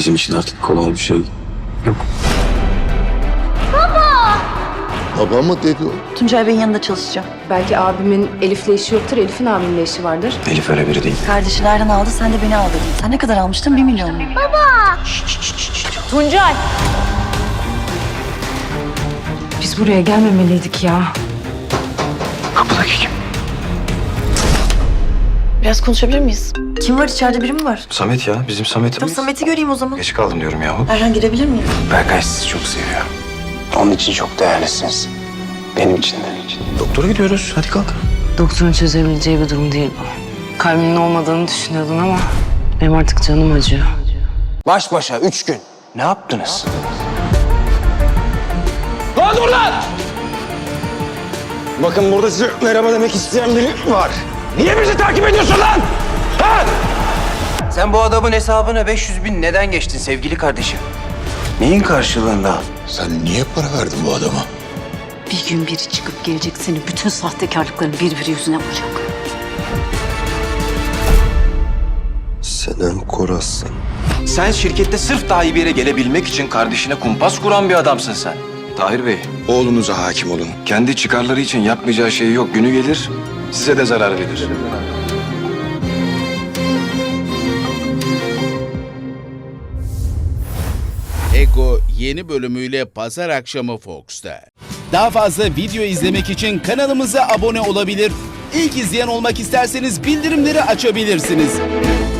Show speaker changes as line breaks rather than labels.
Bizim için artık kolay bir şey yok.
Baba mı dedi o?
Tuncay Bey'in yanında çalışacağım.
Belki abimin Elif'le işi yoktur, Elif'in abimle işi vardır.
Elif öyle biri değil.
Kardeşi nereden aldı, sen de beni al dedin. Sen ne kadar almıştın? 1 milyon mu?
Tuncay! Biz buraya gelmemeliydik ya.
Kapıdaki kim?
Biraz konuşabilir miyiz? Kim var içeride, biri mi var?
Samet ya. Bizim Samet'imiz.
Tamam, Samet'i göreyim o zaman.
Geç kaldım diyorum yahu.
Erhan, girebilir miyim?
Berkay sizi çok seviyor. Onun için çok değerlisiniz. Benim için de. Doktora gidiyoruz. Hadi kalk.
Doktorun çözebileceği bir durum değil bu. Kalbinin olmadığını düşünüyordun ama benim artık canım acıyor.
Baş başa 3 gün. Ne yaptınız? Lan dur lan! Bakın burada size merhaba demek isteyen biri var. Niye bizi takip ediyorsun lan? Ha? Sen bu adamın hesabına 500 bin neden geçtin sevgili kardeşim? Neyin karşılığında?
Sen niye para verdin bu adama?
Bir gün biri çıkıp gelecek, senin bütün sahtekarlıkların birbiri yüzüne vuracak.
Senem Koras'sın. Sen şirkette sırf daha iyi bir yere gelebilmek için kardeşine kumpas kuran bir adamsın sen. Tahir Bey, oğlunuza hakim olun. Kendi çıkarları için yapmayacağı şey yok. Günü gelir, size de zarar verir.
Ego yeni bölümüyle pazar akşamı Fox'ta. Daha fazla video izlemek için kanalımıza abone olabilir. İlk izleyen olmak isterseniz bildirimleri açabilirsiniz.